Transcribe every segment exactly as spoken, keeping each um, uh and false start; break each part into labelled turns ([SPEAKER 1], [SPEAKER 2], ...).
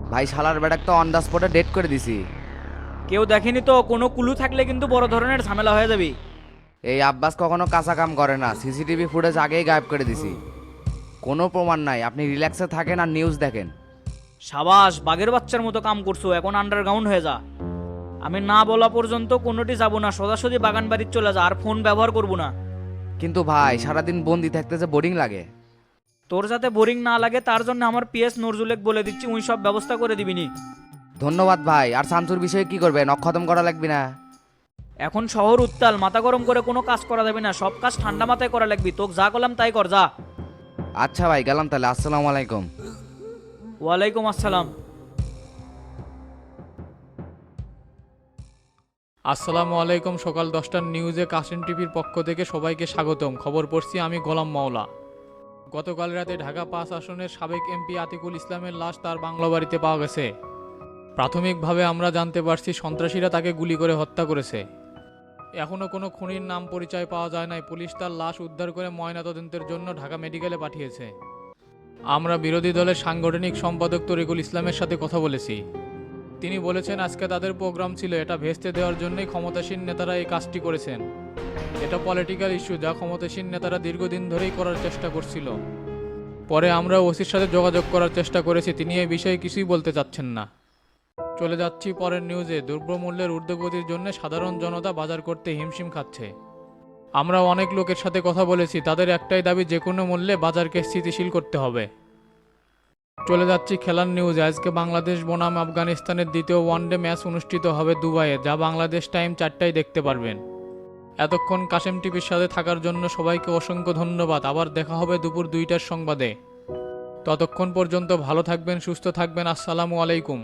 [SPEAKER 1] ভাই শালার বেটাক তো অন দ্য স্পটে ডেট করে দিছি।
[SPEAKER 2] কেউ দেখেনি তো, কোনো কুলু থাকলে কিন্তু বড় ধরনের ঝামেলা হয়ে যাবে।
[SPEAKER 1] এই আব্বাস কখনো কাঁচা কাম করে না, সিসিটিভি ফুটেজ আগেই গায়েব করে দিছি। কোনো প্রমাণ নাই, আপনি রিল্যাক্সে থাকেন আর নিউজ দেখেন।
[SPEAKER 2] সাবাস, বাঘের বাচ্চার মতো কাম করছো, এখন আন্ডারগ্রাউন্ড হয়ে যা। আমি না বলা পর্যন্ত কোনোটি যাব না, সোজাসুজি বাগান বাড়ির চলে যা, আর ফোন ব্যবহার করব না।
[SPEAKER 1] কিন্তু ভাই সারাদিন বন্দি থাকতে যে বোরিং লাগে।
[SPEAKER 2] তোর যাতে বোরিং না লাগে তার জন্য আমার পিএস নজরুলেক বলে দিচ্ছি, উনি সব ব্যবস্থা করে দিবিনি।
[SPEAKER 1] ধন্যবাদ ভাই। আর শামসুর বিষয়ে কি করবে, নখ খতম করা লাগবে না?
[SPEAKER 2] এখন শহর উত্তাল, মাথা গরম করে কোনো কাজ করা যাবে না, সব কাজ ঠান্ডা মাথায় করা লাগবি। তোকে যা করলাম তাই কর, যা।
[SPEAKER 1] আচ্ছা ভাই, গেলাম তাহলে। আসসালামু আলাইকুম।
[SPEAKER 2] ওয়ালাইকুম আসসালাম।
[SPEAKER 3] আসসালামু আলাইকুম। সকাল দশটার নিউজে কাশিম টিভির পক্ষ থেকে সবাইকে স্বাগতম। খবর পড়ছি আমি গোলাম মাওলা। গতকাল রাতে ঢাকা পাঁচ আসনের সাবেক এমপি আতিকুল ইসলামের লাশ তার বাংলা বাড়িতে পাওয়া গেছে। প্রাথমিকভাবে আমরা জানতে পারছি সন্ত্রাসীরা তাকে গুলি করে হত্যা করেছে। এখনও কোনো খুনির নাম পরিচয় পাওয়া যায় নাই। পুলিশ তার লাশ উদ্ধার করে ময়নাতদন্তের জন্য ঢাকা মেডিকেলে পাঠিয়েছে। আমরা বিরোধী দলের সাংগঠনিক সম্পাদক তরিকুল ইসলামের সাথে কথা বলেছি। তিনি বলেছেন আজকে তাদের প্রোগ্রাম ছিল, এটা ভেস্তে দেওয়ার জন্যই ক্ষমতাসীন নেতারা এই কাজটি করেছেন। এটা পলিটিক্যাল ইস্যু, যা ক্ষমতাসীন নেতারা দীর্ঘদিন ধরেই করার চেষ্টা করছিল। পরে আমরা ওসির সাথে যোগাযোগ করার চেষ্টা করেছি, তিনি এই বিষয়ে কিছুই বলতে চাচ্ছেন না। চলে যাচ্ছি পরের নিউজে। দ্রব্যমূল্যের ঊর্ধ্বগতির জন্য সাধারণ জনতা বাজার করতে হিমশিম খাচ্ছে। আমরা অনেক লোকের সাথে কথা বলেছি, তাদের একটাই দাবি, যে কোনো মূল্যে বাজারকে স্থিতিশীল করতে হবে। চলে যাচ্ছি খেলার নিউজে। আজকে বাংলাদেশ বনাম আফগানিস্তানের দ্বিতীয় ওয়ানডে ম্যাচ অনুষ্ঠিত হবে দুবাইয়ে, যা বাংলাদেশ টাইম চারটায় দেখতে পারবেন। এতক্ষণ কাশেম টিভির সাথে থাকার জন্য সবাইকে অসংখ্য ধন্যবাদ। আবার দেখা হবে দুপুর দুইটার সংবাদে। ততক্ষণ পর্যন্ত ভালো থাকবেন, সুস্থ থাকবেন। আসসালামু আলাইকুম।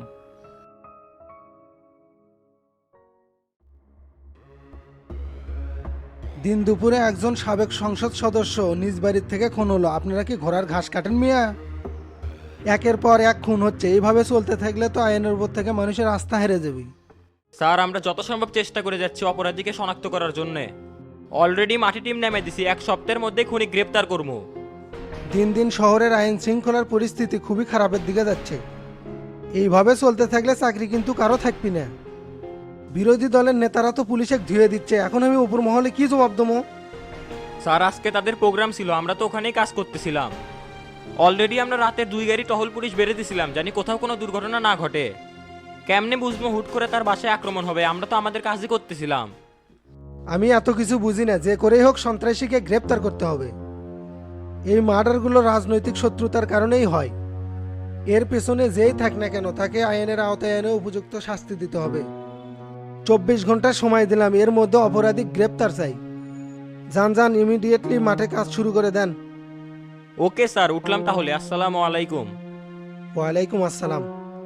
[SPEAKER 4] দিন দুপুরে একজন সাবেক সংসদ সদস্য নিজ বাড়ির থেকে খুন হলো। আপনারা কি ঘোড়ার ঘাস কাটেন মিয়া? একের পর এক খুন হচ্ছে, এইভাবে চলতে থাকলে তো আইনের উপর থেকে মানুষের আস্থা হেরে যাবে।
[SPEAKER 5] স্যার, আমরা যত সম্ভব চেষ্টা করে যাচ্ছি অপরাধীকে শনাক্ত করার জন্য। অলরেডি মাটি টিম নেমে দিছি, এক সপ্তাহের মধ্যে খুনি গ্রেপ্তার করবো।
[SPEAKER 4] দিন দিন শহরের আইন শৃঙ্খলার পরিস্থিতি খুবই খারাপের দিকে যাচ্ছে। এইভাবে চলতে থাকলে চাকরি কিন্তু কারো থাকবি না। বিরোধী দলের নেতারা তো পুলিশে ধুয়ে দিচ্ছে, এখন আমি উপর মহলে কি জবাব দেবো?
[SPEAKER 5] স্যার, আজকে তাদের প্রোগ্রাম ছিল, আমরা তো ওখানেই কাজ করতেছিলাম। অলরেডি আমরা রাতে দুই গাড়ি টহল পুলিশ বেড়ে দিছিলাম, জানি কোথাও কোনো দুর্ঘটনা না ঘটে। কেমনে বুঝবো হুট করে তার বাসায় আক্রমণ হবে? আমরা তো আমাদের কাজই করতেছিলাম।
[SPEAKER 4] আমি এত কিছু বুঝি না, যে করেই হোক সন্ত্রাসীকে গ্রেপ্তার করতে হবে। এই মার্ডারগুলো রাজনৈতিক শত্রুতার কারণেই হয়। এর পেছনে যেই থাক না কেন, তাকে আইনের আওতায় এনে উপযুক্ত শাস্তি দিতে হবে। চব্বিশ ঘন্টা সময় দিলাম, এর মধ্যে অপরাধী গ্রেপ্তার চাই। যান যান, ইমিডিয়েটলি মাঠে কাজ শুরু করে দেন।
[SPEAKER 5] ওকে স্যার, উঠলাম তাহলে। আসসালামু আলাইকুম।
[SPEAKER 4] ওয়ালাইকুম আসসালাম।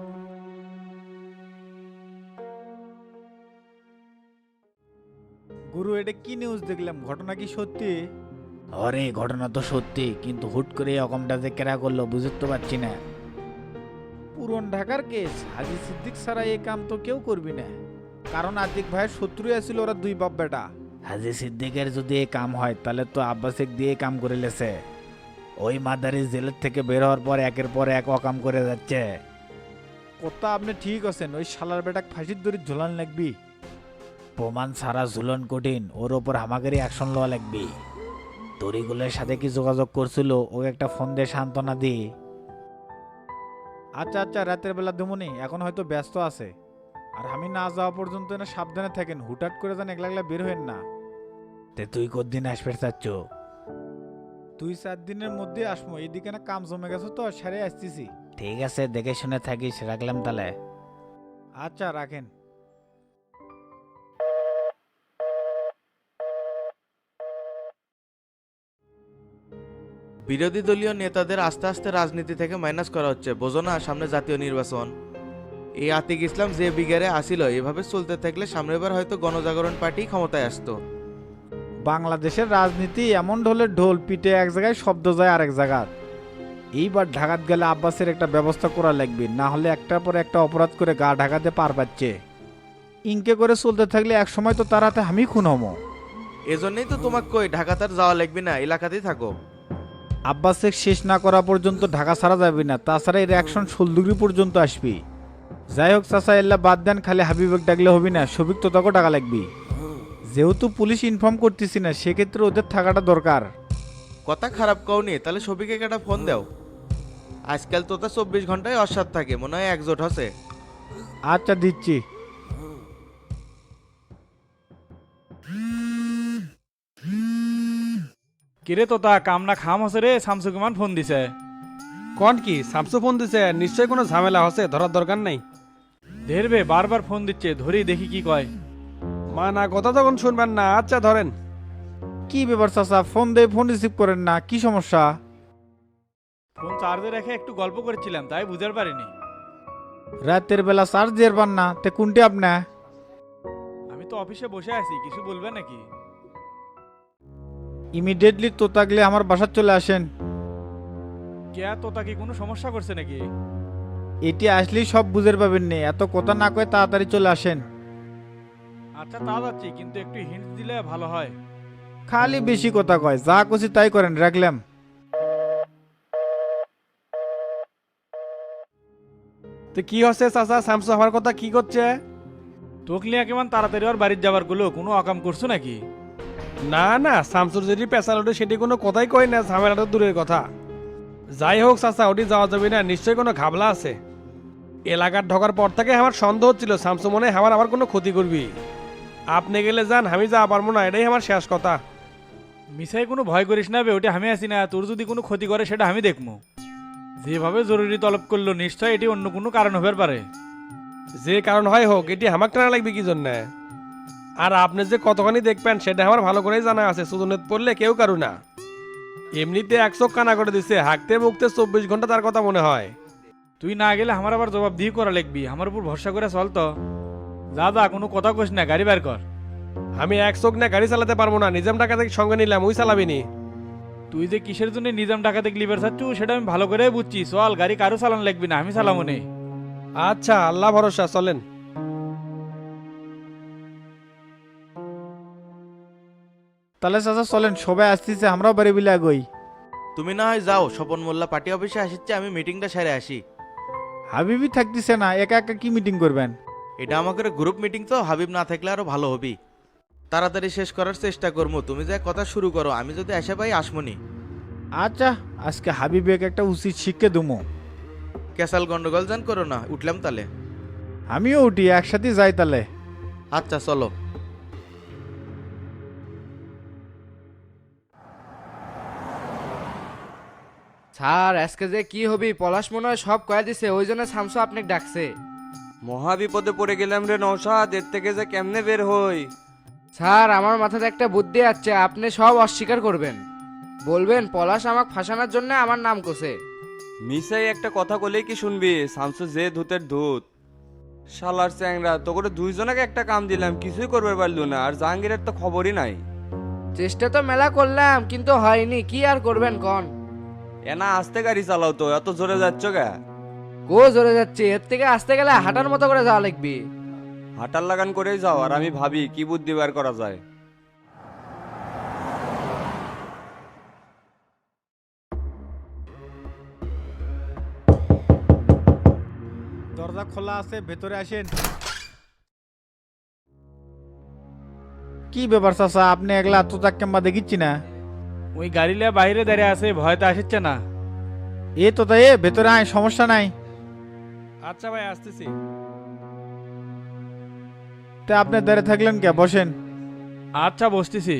[SPEAKER 6] গুরু, এটা কি নিউজ দেখলাম? ঘটনা কি সত্যি?
[SPEAKER 7] আরে ঘটনা তো সত্যি, কিন্তু হুট করে এরকমটা যে কেরা করলো বুঝতে তো পারছি না।
[SPEAKER 6] পুরন ঢাকার কেস, হাজি সিদ্দিক ছাড়া এই কাম তো কেউ করবি না। কারণ আতিক ভাইয়ের শত্রুই আছিল ওরা দুই বাপ বেটা।
[SPEAKER 7] হাজি সিদ্দিকের যদি এই কাম হয় তাহলে তো আব্বাসিক দিয়ে কাম করে লেছে। ওই মাদারি জেলের থেকে বের হওয়ার পর একের পর এক অকাম করে যাচ্ছে।
[SPEAKER 6] কথা আপনি ঠিক আছেন, ওই শালার বেটাক ফাঁসির দড়ি ঝোলান লাগবি।
[SPEAKER 7] প্রমাণ ছাড়া ঝুলন কঠিন, ওর ওপর হামাকারি অ্যাকশন লওয়া লাগবে। তরিগুলের সাথে কি যোগাযোগ করছিল? ও একটা ফোন দিয়ে সান্ত্বনা দি।
[SPEAKER 6] আচ্ছা আচ্ছা, রাতের বেলা দেমনি, এখন হয়তো ব্যস্ত আছে। আর আমি না যাওয়া পর্যন্ত না সাবধানে থাকেন, হুটহাট করে যান একলা একলা বের হইন না।
[SPEAKER 7] তে তুই কদিন আসবে চাচ্ছ?
[SPEAKER 6] দুই চার দিনের মধ্যে আসমো, এইদিকে না কাম জমে গেছে তো, সেরে আসতেছি।
[SPEAKER 7] ঠিক আছে, দেখে শুনে থাকিস, রাখলাম তাহলে।
[SPEAKER 6] আচ্ছা, রাখেন।
[SPEAKER 8] বিরোধী দলীয় নেতাদের আস্তে আস্তে রাজনীতি থেকে মাইনাস করা হচ্ছে, বোঝো না? সামনে জাতীয় নির্বাচন। এই আতিক ইসলাম যে বিগারে আসিল, এভাবে চলতে থাকলে সামনের বার হয়তো গণজাগরণ পার্টি ক্ষমতায় আসতো।
[SPEAKER 6] বাংলাদেশের রাজনীতি এমন ঢোলের ঢোল, পিঠে এক জায়গায় শব্দ যায় আরেক জায়গায়। এইবার ঢাকাত গেলে আব্বাসের একটা ব্যবস্থা করা লাগবে, না হলে একটার পর একটা অপরাধ করে গা ঢাকাতে পার পাচ্ছে। ইনকে করে চলতে থাকলে এক সময় তো তার হাতে আমি খুন হমো।
[SPEAKER 8] এজন্যই তো তোমাকে কই ঢাকা তার যাওয়া লাগবে না, এলাকাতেই থাকো।
[SPEAKER 6] আব্বাসে শেষ না করা পর্যন্ত ঢাকা ছাড়া যাবে না, তাছাড়া এর অ্যাকশন ষোলদুগরি পর্যন্ত আসবি। যাই হোক চাচা, এল্লা বাদ দেন, খালি হাবিবেক ডাকলে হবি না, সবিক তো তাকেও টাকা লাগবি। যেহেতু পুলিশ ইনফর্ম করতেছি না, সেক্ষেত্রে ওদের থাকাটা দরকার।
[SPEAKER 8] কথা খারাপ কওনি, তাহলে সবিকে একটা ফোন দাও। আজকাল তো তা চব্বিশ ঘন্টায় অসাদ থাকে, মনে হয় একজোট হচ্ছে।
[SPEAKER 6] আচ্ছা দিচ্ছি।
[SPEAKER 9] কিরে তোতা কামনা খাম হসে রে, শামসু কুমান ফোন দিছে।
[SPEAKER 10] কন কি স্যামসু ফোন দিছে? নিশ্চয়ই কোনো ঝামেলা হচ্ছে, ধরার দরকার নাই।
[SPEAKER 9] ধেরবে বারবার ফোন দিচ্ছে, ধরি দেখি কি কয়।
[SPEAKER 10] মা না কথা তখন শুনবেন না। আচ্ছা ধরেন।
[SPEAKER 6] কি ব্যাপার চাচা, ফোন দিয়ে ফোন রিসিভ করেন না, কি সমস্যা?
[SPEAKER 9] ফোন চার্জে রেখে একটু গল্প করেছিলাম, তাই বুঝতে পারিনি।
[SPEAKER 6] রাতের বেলা চার্জ দিয়ে পান না, তে কোনটি আপনা?
[SPEAKER 9] আমি তো অফিসে বসে আছি, কিছু বলবে নাকি?
[SPEAKER 6] ইমিডিয়েটলি তো থাকলে আমার বাসায় চলে আসেন।
[SPEAKER 9] কে তোতা কি কোনো সমস্যা করছে নাকি?
[SPEAKER 6] এটি আসলেই সব বুঝের পাবেন নে, এত কথা না কয়ে তাড়াতাড়ি চলে আসেন।
[SPEAKER 9] আচ্ছা তা যাচ্ছি, কিন্তু একটু হিন্ট দিলে ভালো হয়।
[SPEAKER 6] খালি বেশি কথা কয়, যা খুশি তাই করেন, রাখলাম।
[SPEAKER 10] তো কি হচ্ছে চাচা, স্যামসু আমার কথা কি করছে?
[SPEAKER 9] তোকলিয়া কেমন তাড়াতাড়ি ওর বাড়ির যাবার গুলো কোনো অকাম করছো নাকি?
[SPEAKER 10] না না, শামসুর যদি পেশাল ওঠে সেটি কোনো কথাই কই না, ঝামেলাটা দূরের কথা। যাই হোক চাচা, ওটি যাওয়া যাবে না, নিশ্চয়ই কোনো ঘাবলা আছে। এলাকার ঢোকার পর থেকে আমার সন্দেহ হচ্ছিল শামসু মনে হয় আমার আবার কোনো ক্ষতি করবি। আপনি গেলে যান, আমি যাওয়া পারবো না, এটাই আমার শেষ কথা।
[SPEAKER 9] মিসাই কোনো ভয় করিস না বে, ওটা আমি আছি না, তোর যদি কোনো ক্ষতি করে সেটা আমি দেখবো। যেভাবে জরুরি তলব করলো, নিশ্চয় এটি অন্য কোনো কারণ হতে পারে।
[SPEAKER 10] যে কারণ হয় হোক, এটি আমার টানা লাগবে কি জন্য? আর আপনি যে কতখানি দেখবেন সেটা আমার ভালো করেই জানা আছে, সুদনত পড়লে কেউ কারু না। এমনিতে এক চোখ কানা করে দিচ্ছে, হাঁকতে মুখতে চব্বিশ ঘন্টা তার কথা মনে হয়।
[SPEAKER 9] তুই না গেলে আমার আবার জবাব দিয়ে করা লাগবি, আমার উপর ভরসা করে চল তো। যা যা, কোনো কথা কইস না, গাড়ি বের কর।
[SPEAKER 10] আমি এক চোখ না গাড়ি চালাতে পারবো না, নিজাম টাকা থেকে সঙ্গে নিলাম, ওই চালাবিনি।
[SPEAKER 9] তুই যে কিসের জন্য নিজাম টাকাতে লিবার চাচ্ছু সেটা আমি ভালো করে বুঝছি, চল গাড়ি কারো চালান লাগবি না, আমি চালাবো নে।
[SPEAKER 10] আচ্ছা আল্লাহ ভরসা, চলেন।
[SPEAKER 6] তাহলে চাচা চলেন, সবাই আসতেছে, আমরাও বাড়ি বিলে আগই।
[SPEAKER 8] তুমি না হয় যাও, স্বপন মোল্লা পার্টি অফিসে আসছে, আমি মিটিংটা সেরে আসি।
[SPEAKER 6] হাবিবি থাকতেছে না, একা একা কি মিটিং করবেন?
[SPEAKER 8] এটা আমাদের গ্রুপ মিটিং তো, হাবিব না থাকলে আরো ভালো হবি। তাড়াতাড়ি শেষ করার চেষ্টা করবো, তুমি যা কথা শুরু করো, আমি যদি আসে পাই আসমনি।
[SPEAKER 6] আচ্ছা, আজকে হাবিবেক একটা উচিত শিক্ষা দুমো।
[SPEAKER 8] ক্যাসাল গন্ডগোল জান করো না, উঠলাম তালে।
[SPEAKER 6] আমিও উঠি, একসাথে যাই তাহলে।
[SPEAKER 8] আচ্ছা চলো।
[SPEAKER 1] স্যার আজকে যে কি হবি, পলাশ মনে হয় সব কয়ে দিছে, ওই জন্য শামসু আপনাকে ডাকছে।
[SPEAKER 11] মহা বিপদে পড়ে গেলাম রে নওশাদ, এর থেকে যে কেমনে বের হই?
[SPEAKER 1] স্যার আমার মাথাতে একটা বুদ্ধি আছে, আপনি সব অস্বীকার করবেন, বলবেন পলাশ আমাকে ফাঁসানোর জন্য আমার নাম কোসে।
[SPEAKER 11] মিসাই একটা কথা বলেই কি শুনবি? শামসু যে ধূতের ধূত, শালার চ্যাংরা, তো করে দুইজনকে একটা কাম দিলাম, কিছুই করবে পারলো না, আর জাহাঙ্গীরের তো খবরই নাই।
[SPEAKER 1] চেষ্টা তো মেলা করলাম, কিন্তু হয়নি, কি আর করবেন কন।
[SPEAKER 11] এনা আস্তে গাড়ি চালাও তো, এত জোরে যাচ্ছ গা?
[SPEAKER 1] গো জোরে যাচ্ছে, এর থেকে আসতে গেলে হাঁটার মতো করে যাওয়া লাগবে।
[SPEAKER 11] হাঁটার লাগান করেই যাও, আর আমি ভাবি কি বুদ্ধি বার করা যায়।
[SPEAKER 6] দরজা খোলা আছে, ভেতরে আসেন। কি ব্যাপার চাচা, আপনি একলা আত্মত্যাগ কেমবা দেখিচ্ছি না?
[SPEAKER 9] ওই গাড়ি লিয়ে বাইরে দাঁড়িয়ে আছে, ভয়তে আসছে না।
[SPEAKER 6] এ তো তাই, এ ভেতরে আয়, সমস্যা নাই।
[SPEAKER 10] আচ্ছা ভাই আসতেছি।
[SPEAKER 6] তা আপনি দাঁড়িয়ে থাকলেন কে, বসেন।
[SPEAKER 9] আচ্ছা বসতেছি।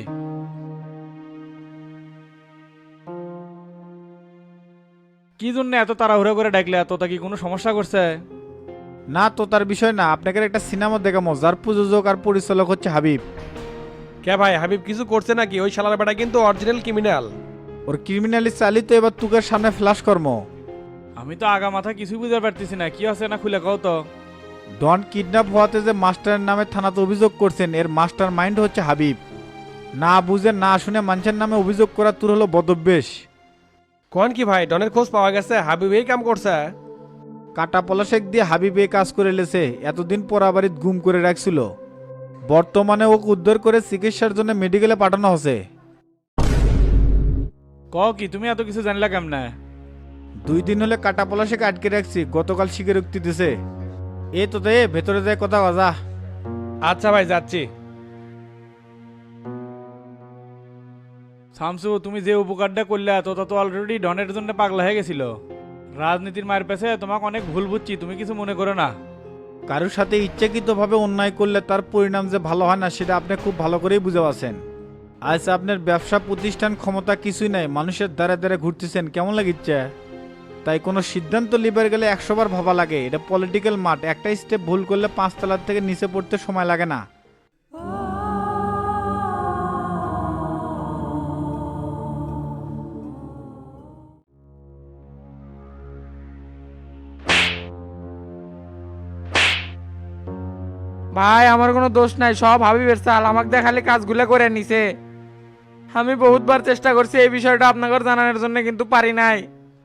[SPEAKER 9] কি জন্য এত তাড়াহুড়ো করে ডাকলে? তোতা কি কোনো সমস্যা করছে?
[SPEAKER 6] না তো তার বিষয় না, আপনাকে একটা সিনেমা দেখামো, যার প্রযোজক আর পরিচালক হচ্ছে হাবিব।
[SPEAKER 10] কে ভাই, হাবিব কিছু করছে নাকি? ওই শালার বেটা কিন্তু অরিজিনাল ক্রিমিনাল।
[SPEAKER 6] ওর ক্রিমিনালি চালি তো এবার তুকের সামনে ফ্ল্যাশ কর্ম।
[SPEAKER 9] আমি তো আগা মাথা কিছু বুঝতে পারতেছি না, কি আছে না খুলে কও তো।
[SPEAKER 6] ডন কিডন্যাপ হওয়াতে যে মাস্টারের নামে থানাতে অভিযোগ করছেন, এর মাস্টার মাইন্ড হচ্ছে হাবিব। না বুঝে না শুনে মানুষের নামে অভিযোগ করা তোর হলো বদভ্যেস।
[SPEAKER 10] কোন কি ভাই, ডনের খোঁজ পাওয়া গেছে? হাবিব এই কাম করছে?
[SPEAKER 6] কাটা পলাশেক দিয়ে হাবিব এই কাজ করে লেছে, এতদিন পরাবাড়িত গুম করে রাখছিল। বর্তমানে ওকে উদ্ধার করে চিকিৎসার জন্য মেডিকেলে পাঠানো হচ্ছে।
[SPEAKER 9] ক কি তুমি এত কিছু জানলা কেমনে?
[SPEAKER 6] দুই দিন হলে কাটা পলাশে আটকে রাখছি, গতকাল স্বীকারোক্তি দিছে। এ তো দে ভেতরে যায় কথা বাজা।
[SPEAKER 10] আচ্ছা ভাই যাচ্ছি।
[SPEAKER 9] শামসু, তুমি যে উপকারটা করলে তোতা তো অলরেডি ডনের জন্য পাগলা হয়ে গেছিল। রাজনীতির মায়ের পেছে তোমাকে অনেক ভুল বুঝছি, তুমি কিছু মনে করো না।
[SPEAKER 6] কারোর সাথে ইচ্ছাকৃতভাবে অন্যায় করলে তার পরিণাম যে ভালো হয় না সেটা আপনি খুব ভালো করেই বুঝে পাচ্ছেন। আজ আপনার ব্যবসা প্রতিষ্ঠান ক্ষমতা কিছুই নাই, মানুষের দ্বারা দ্বারা ঘুরতেছেন, কেমন লাগিচ্ছে? তাই কোনো সিদ্ধান্ত লিবার গেলে একশো বার ভাবা লাগে। এটা পলিটিক্যাল মাঠ, একটা স্টেপ ভুল করলে পাঁচতলার থেকে নিচে পড়তে সময় লাগে না।
[SPEAKER 12] ভাই আমার কোনো দোষ নাই, সব হাবিবের চাল, আমাকে দেখালে কাজগুলো করে নিছে। আমি বহুতবার চেষ্টা করছি এই বিষয়টা আপনাকে জানানোর জন্য, কিন্তু পারি নাই।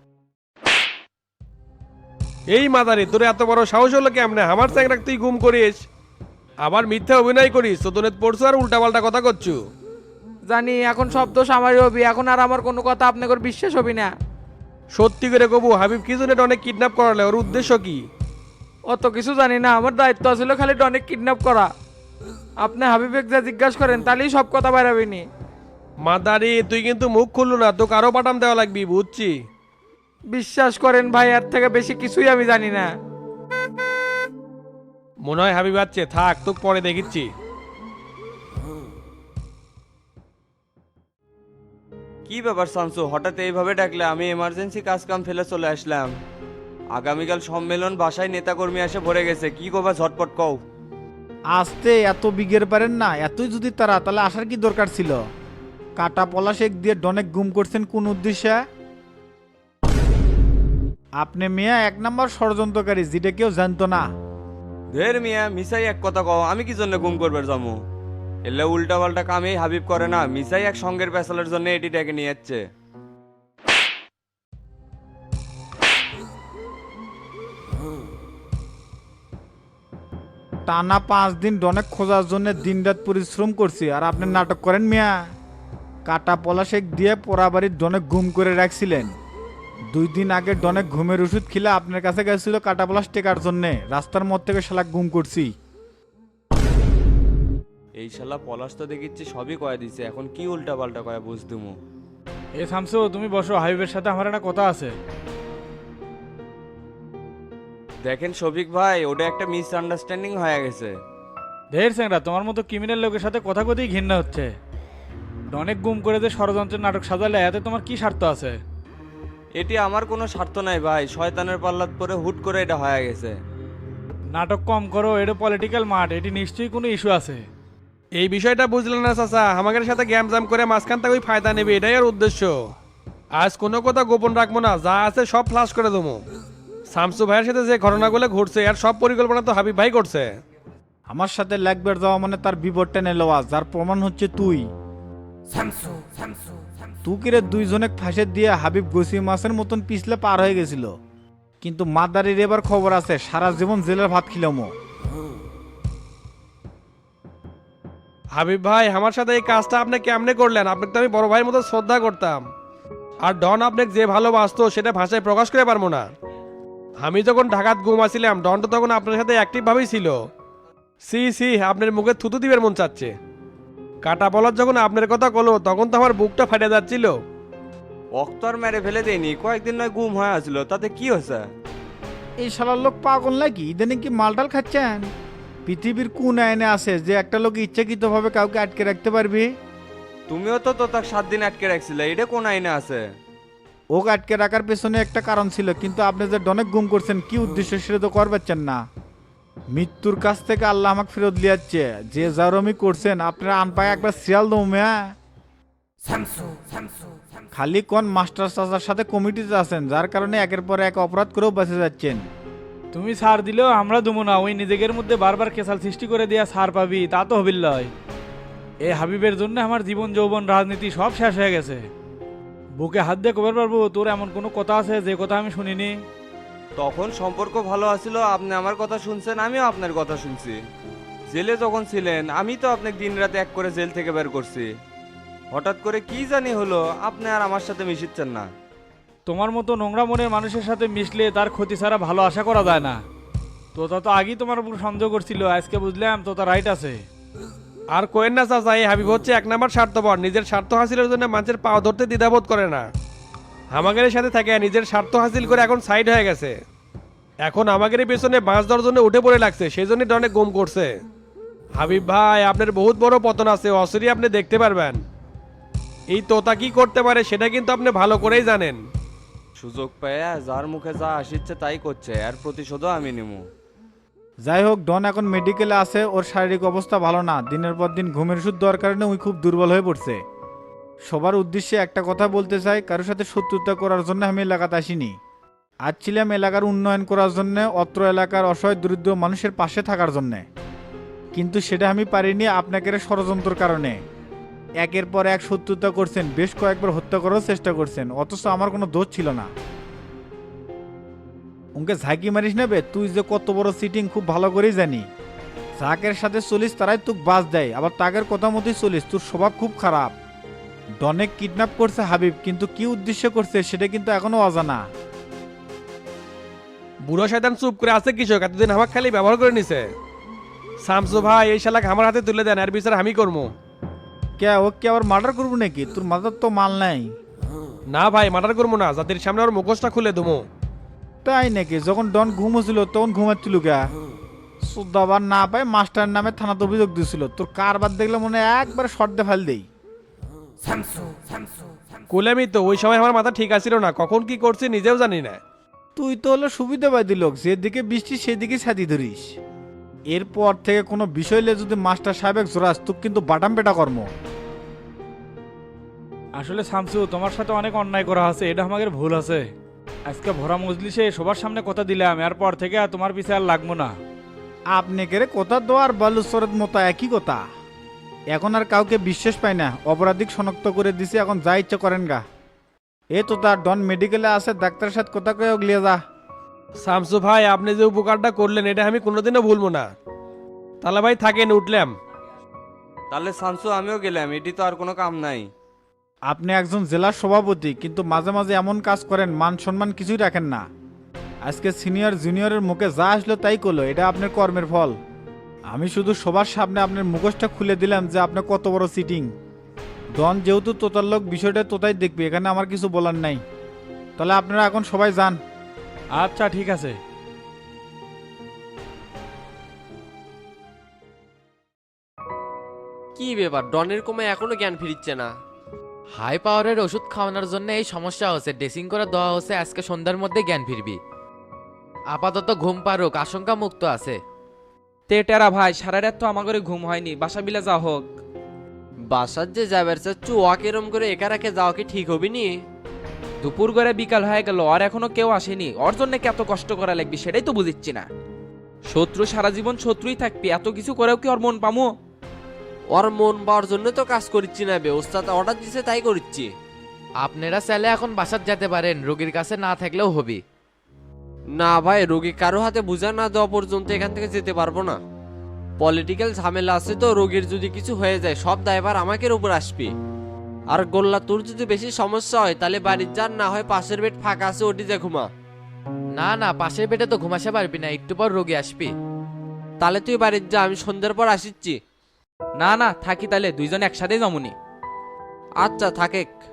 [SPEAKER 10] এই মাদারি, তোর এত বড় সাহস হলো কেমনে আমার চ্যাংরাক তুই গুম করিস, আবার মিথ্যা অভিনয় করিস, চোদনের পড়ছো আর উল্টাপাল্টা কথা করছু।
[SPEAKER 12] জানি এখন সব দোষ আমারই হবি, এখন আর আমার কোনো কথা আপনাকে বিশ্বাস হবি না।
[SPEAKER 10] সত্যি করে কবু, হাবিব কি জন্য অনেক কিডন্যাপ করালে, ওর উদ্দেশ্য কি?
[SPEAKER 12] অত কিছু জানি না, আমার দায়িত্ব ছিল খালি অনেক কিডন্যাপ করা। আপনি হাবিবেক যা জিজ্ঞাসা করেন তাহলেই সব কথা বেরাবিনি।
[SPEAKER 10] মাদারি তুই কিন্তু মুখ খুললু না, তো কারো পাঠাম দেওয়া লাগবি, বুঝছি।
[SPEAKER 12] বিশ্বাস করেন ভাই, এর থেকে বেশি কিছুই আমি জানি না।
[SPEAKER 10] মনে হয় হাবিব আছে, থাক তোকে পরে দেখিচ্ছি।
[SPEAKER 11] কি ব্যাপার শামসু, হঠাৎ এইভাবে ডাকলে? আমি এমার্জেন্সি কাজ কাম ফেলে চলে আসলাম। আগামীকাল সম্মেলন, বাসায় নেতাকর্মী এসে ভরে গেছে, কি করবা ঝটপট কও।
[SPEAKER 6] আসতে এত বিঘের পারেন না, এতই যদি তারা, তাহলে আসার কি দরকার ছিল? কাটা পলাশেক দিয়ে ডনেক গুম করছেন কোন উদ্দেশ্যে? আপনি মিয়া এক নম্বর ষড়যন্ত্রকারী, যেটা কেউ জানতো না।
[SPEAKER 11] ধের মিয়া, মিসাই এক কথা কও, আমি কি জন্য গুম করবার যাবো? এলে উল্টা পাল্টা কামেই হাবিব করে না, মিসাই এক সঙ্গের পেছালের জন্য এটি ডেকে নিয়ে যাচ্ছে।
[SPEAKER 6] টানা পাঁচ দিন ডনেক খোঁজার জন্য দিনরাত পরিশ্রম করছি, আর আপনি নাটক করেন মিয়া। কাটা পলাশেক দিয়ে পোড়াবাড়ির ডনেক ঘুম করে রাখছিলেন। দুই দিন আগে ডনেক ঘুমের ওষুধ খেলে আপনার কাছে গেছিল কাটা পলাশ টেকার জন্যে, রাস্তার মধ্যে থেকে শালা ঘুম করছি।
[SPEAKER 11] এই শালা পলাশ তো দেখিচ্ছি সবই কয়ে দিছে, এখন কি উল্টা পাল্টা কয়ে বুঝতুমু।
[SPEAKER 9] এ শামসু, তুমি বসো, হাবিবের সাথে আমার একটা কথা আছে।
[SPEAKER 11] দেখেন শফিক ভাই, ওটা একটা মিস আন্ডারস্ট্যান্ডিং হয়ে গেছে।
[SPEAKER 9] ঢের স্যাংরা, তোমার মতো ক্রিমিনাল লোকের সাথে কথা কথাই ঘৃণা হচ্ছে। অনেক গুম করে যে ষড়যন্ত্রের নাটক সাজালে, এতে তোমার কি স্বার্থ আছে?
[SPEAKER 11] এটি আমার কোনো স্বার্থ নাই ভাই, শয়তানের পাল্লাত পরে হুট করে এটা হয়ে গেছে।
[SPEAKER 9] নাটক কম করো, এটা পলিটিক্যাল মাঠ, এটি নিশ্চয়ই কোনো ইস্যু আছে।
[SPEAKER 10] এই বিষয়টা বুঝলেন না চাচা, আমাদের সাথে গ্যাম জাম করে মাঝখান থেকে ওই ফায়দা নেবে, এটাই আর উদ্দেশ্য। আজ কোনো কথা গোপন রাখবো না, যা আছে সব ফ্লাশ করে দেবো। শামসু ভাইয়ের সাথে যে ঘটনাগুলো ঘটছে, আর সব পরিকল্পনা তো হাবিব ভাই করছে।
[SPEAKER 6] আমার সাথে লাগবে যাওয়া মানে তার বিবরটা নেলোয়া, যার প্রমাণ হচ্ছে তুই। তুকিরে দুইজনে ফাঁসে দিয়ে হাবিব গসি মাছের মতন পিছলে পার হয়ে গেছিল, কিন্তু মাদারির এবার খবর আছে, সারা জীবন জেলের ভাত খিলামো।
[SPEAKER 10] হাবিব ভাই, আমার সাথে এই কাজটা আপনি কেমনে করলেন? আপনাকে তো আমি বড় ভাইয়ের মতো শ্রদ্ধা করতাম, আর ডন আপনাকে যে ভালোবাসতো সেটা ভাষায় প্রকাশ করে পারবো না। আমি যখন ঢাকাত ঘুমাছিলাম, ডন তো তখন আপনার সাথে অ্যাক্টিভ ভাবেই ছিল। সি সি, আপনার মুখে থুতু দিবের মন চাচ্ছে। কাটা বলার যখন আপনার কথা কলো, তখন তো আমার বুকটা ফাটে যাচ্ছিল।
[SPEAKER 11] অক্তর মেরে ফেলে দেয়নি, কয়েকদিন নয় গুম হয়ে আসলো, তাতে কি হয়েছে?
[SPEAKER 6] এই শালার লোক পাগল নাকি? ইদানিং কি মালটাল খাচ্ছেন? পৃথিবীর কোন আইনে আছে যে একটা লোক ইচ্ছাকৃতভাবে কাউকে আটকে রাখতে পারবি?
[SPEAKER 11] তুমিও তো তো তার সাত দিন আটকে রাখছিলে, এটা কোন আইনে আছে?
[SPEAKER 6] ওকে আটকে রাখার পেছনে একটা কারণ ছিল, কিন্তু আপনি যে ডনেক গুম করছেন কি উদ্দেশ্য সেটা তো কর পাচ্ছেন না। মৃত্যুর কাছ থেকে আল্লাহ আমাকে ফেরত লিয়াচ্ছে, যে জারমি করছেন আপনারা আনপায় একবার সিয়াল দৌমিয়া। খালি কোন মাস্টার চাচার সাথে কমিটিতে আছেন, যার কারণে একের পর এক অপরাধ করেও বেঁচে যাচ্ছেন।
[SPEAKER 9] তুমি ছাড় দিলেও আমরা দেবো না, ওই নিজেদের মধ্যে বারবার কেসাল সৃষ্টি করে দিয়া ছাড় পাবি, তা তো হবিল লয়। এই হাবিবের জন্য আমার জীবন যৌবন রাজনীতি সব শেষ হয়ে গেছে। বুকে হাত দিয়ে কবার পারবো তোর এমন কোনো কথা আছে যে কথা আমি শুনিনি?
[SPEAKER 11] তখন সম্পর্ক ভালো আছিল, আপনি আমার কথা শুনছেন, আমিও আপনার কথা শুনছি। জেলে যখন ছিলেন আমি তো আপনাকে দিন রাতে এক করে জেল থেকে বের করছি। হঠাৎ করে কি জানি হলো আপনি আর আমার সাথে মিশিচ্ছেন না।
[SPEAKER 9] তোমার মতো নোংরা মনের মানুষের সাথে মিশলে তার ক্ষতি ছাড়া ভালো আশা করা যায় না। তোতা তো আগেই তোমার উপর সন্দেহ করছিল, আজকে বুঝলাম তোতা রাইট আছে।
[SPEAKER 10] আর কোয়েন না চাচা, এই হাবিব হচ্ছে এক নাম্বার স্বার্থপর, নিজের স্বার্থ হাসিলের জন্য মানুষের পাও ধরতে দ্বিধাবোধ করে না। আমাদের সাথে থাকে নিজের স্বার্থ হাসিল করে এখন সাইড হয়ে গেছে, এখন আমাদের পেছনে বাঁশ দেওয়ার জন্য উঠে পড়ে লাগছে, সেই জন্য অনেক গুম করছে। হাবিব ভাই, আপনার বহুত বড় পতন আছে, অসরি আপনি দেখতে পারবেন। এই তোতা কি করতে পারে সেটা কিন্তু আপনি ভালো করেই জানেন।
[SPEAKER 11] সুযোগ পেয়ে যার মুখে যা আসিচ্ছে তাই করছে, আর প্রতিশোধও আমি নিমু।
[SPEAKER 6] যাই হোক, ডন এখন মেডিকেলে আছে, ওর শারীরিক অবস্থা ভালো না, দিনের পর দিন ঘুমের ওষুধ দেওয়ার কারণে ওই খুব দুর্বল হয়ে পড়ছে। সবার উদ্দেশ্যে একটা কথা বলতে চাই, কারোর সাথে শত্রুতা করার জন্য আমি এলাকাতে আসিনি। আজ ছিলাম এলাকার উন্নয়ন করার জন্য, অত্র এলাকার অসহায় দরিদ্র মানুষের পাশে থাকার জন্যে, কিন্তু সেটা আমি পারিনি আপনাকে ষড়যন্ত্রের কারণে। একের পর এক শত্রুতা করছেন, বেশ কয়েকবার হত্যা করার চেষ্টা করছেন, অথচ আমার কোনো দোষ ছিল না। উনকে ঝাঁকি মারিস নেবে, তুই যে কত বড় সিটিং খুব ভালো করেই জানি। যাকের সাথে চলিস তারাই তোক বাস দেয়, আবার তাকের কথা মতোই চলিস, তোর স্বভাব খুব খারাপ। ডনেক কিডন্যাপ করছে হাবিব, কিন্তু কি উদ্দেশ্য করছে সেটা কিন্তু এখনো অজানা।
[SPEAKER 10] বুড়ো শয়তান চুপ করে আছে কৃষক, এতদিন আমাকে খালি ব্যবহার করে নিছে। শামসু ভাই, এই শালাক আমার হাতে তুলে দেন, এর বিচার আমি করবো।
[SPEAKER 6] কে ও কি আবার মার্ডার করবো নাকি? তোর মাথার তো মাল নাই।
[SPEAKER 10] না ভাই, মার্ডার করবো না, জাতির সামনে ওর মুখোশটা খুলে দেবো।
[SPEAKER 6] তাই নাকি? যখন ডন ঘুমোছিল তখন ঘুমাচ্ছিল কে? সুদাবার না পায় মাস্টার নামে থানাতে অভিযোগ দিয়েছিল, তোর কারবার দেখলে মনে হয় একবার শর্ট দিয়ে ফেল দেই।
[SPEAKER 10] কুলেমি তো, ওই সময় আমার মাথা ঠিক আছিল না, কখন কি করছি নিজেও জানি না।
[SPEAKER 6] তুই তো হলো সুবিধাবাদী লোক, যেদিকে বৃষ্টি সেদিকে ছাতি ধরিস। এরপর থেকে কোনো বিষয় নিয়ে যদি মাস্টার সাহেব জোরাস, তুই কিন্তু বাটাম পেটা কর্ম।
[SPEAKER 9] আসলে শামসু, তোমার সাথে অনেক অন্যায় করা আছে, এটা আমাদের ভুল আছে। আজকে ভরা মজলিসে সবার সামনে কথা দিলাম, এরপর থেকে আর তোমার পিছে আর লাগবো না।
[SPEAKER 6] আপনি কেরে কথা দেওয়ার বালুচরের মতো একই কথা। এখন আর কাউকে বিশ্বাস পাই না, অপরাধিক শনাক্ত করে দিছি, এখন যা ইচ্ছা করেন গা। এ তো তার ডন মেডিকেলে আছে, ডাক্তারের সাথে কথা কয়ে গলিয়ে যা।
[SPEAKER 10] শামসু ভাই, আপনি যে উপকারটা করলেন এটা আমি কোনোদিনও ভুলবো না। তাহলে ভাই থাকেন, উঠলাম।
[SPEAKER 11] তাহলে শামসু আমিও গেলাম, এটি তো আর কোনো কাম নাই।
[SPEAKER 6] আপনি একজন জেলার সভাপতি, কিন্তু মাঝে মাঝে এমন কাজ করেন মান সম্মান কিছুই রাখেন না। আজকে সিনিয়র জুনিয়রের মুখে যা আসলো তাই করলো, এটা আপনার কর্মের ফল। আমি শুধু সবার সামনে আপনার মুখোশটা খুলে দিলাম যে আপনি কত বড় সিটিং। ডন যেহেতু তোতার লোক, বিষয়টা তোতাই দেখবে, এখানে আমার কিছু বলার নাই। তাহলে আপনারা এখন সবাই যান।
[SPEAKER 9] আচ্ছা ঠিক আছে।
[SPEAKER 13] কি ব্যাপার, ডনের কমে এখনো জ্ঞান ফিরিচ্ছে না?
[SPEAKER 14] হাই পাওয়ারের ওষুধ খাওয়ানোর জন্য এই সমস্যা হচ্ছে, ড্রেসিং করে দেওয়া হচ্ছে, আজকে সন্ধ্যার মধ্যে জ্ঞান ফিরবি। আপাতত ঘুম পারুক, আশঙ্কা মুক্ত আছে।
[SPEAKER 12] তে টেরা ভাই, সারা রাত তো আমাদের ঘুম হয়নি, বাসা বিলে যা হোক।
[SPEAKER 13] বাসার যে যাবার চাচ্ছু ওয়াক এরম করে একা রাখে যাওয়া কি ঠিক হবি নি?
[SPEAKER 12] দুপুর করে বিকাল হয়ে গেল, আর এখনো কেউ আসেনি, ওর জন্য কত কষ্ট করা লাগবে সেটাই তো বুঝিচ্ছি না। শত্রু সারা জীবন শত্রুই থাকবি, এত কিছু করেও কি ওর মন পামো?
[SPEAKER 13] ওর মন পাওয়ার জন্য তো কাজ করিচ্ছি না বে, ওস্তাদ অর্ডার দিছে তাই করিচ্ছি।
[SPEAKER 14] আপনারা চাইলে এখন বাসাত যেতে পারেন, রোগীর কাছে না থাকলেও হবে।
[SPEAKER 13] না ভাই, রোগী কারো হাতে বুঝা না দেওয়া পর্যন্ত এখান থেকে যেতে পারবো না। পলিটিক্যাল ঝামেলা আছে তো, রোগীর যদি কিছু হয়ে যায় সব দায়ভার আমাকের উপর আসবে। আর গোল্লা, তোর যদি বেশি সমস্যা হয় তাহলে বাড়ির যান, না হয় পাশের বেড ফাঁকা আছে ওটি যে ঘুমা।
[SPEAKER 14] না না, পাশের বেডে তো ঘুমাসে পারবি না, একটু পর রোগী আসবি।
[SPEAKER 13] তাহলে তুই বাড়ির যা, আমি সন্ধ্যার পর আসিচ্ছি।
[SPEAKER 12] না না, থাকি তাহলে, দুইজন একসাথেই জমুনি।
[SPEAKER 13] আচ্ছা থাকে।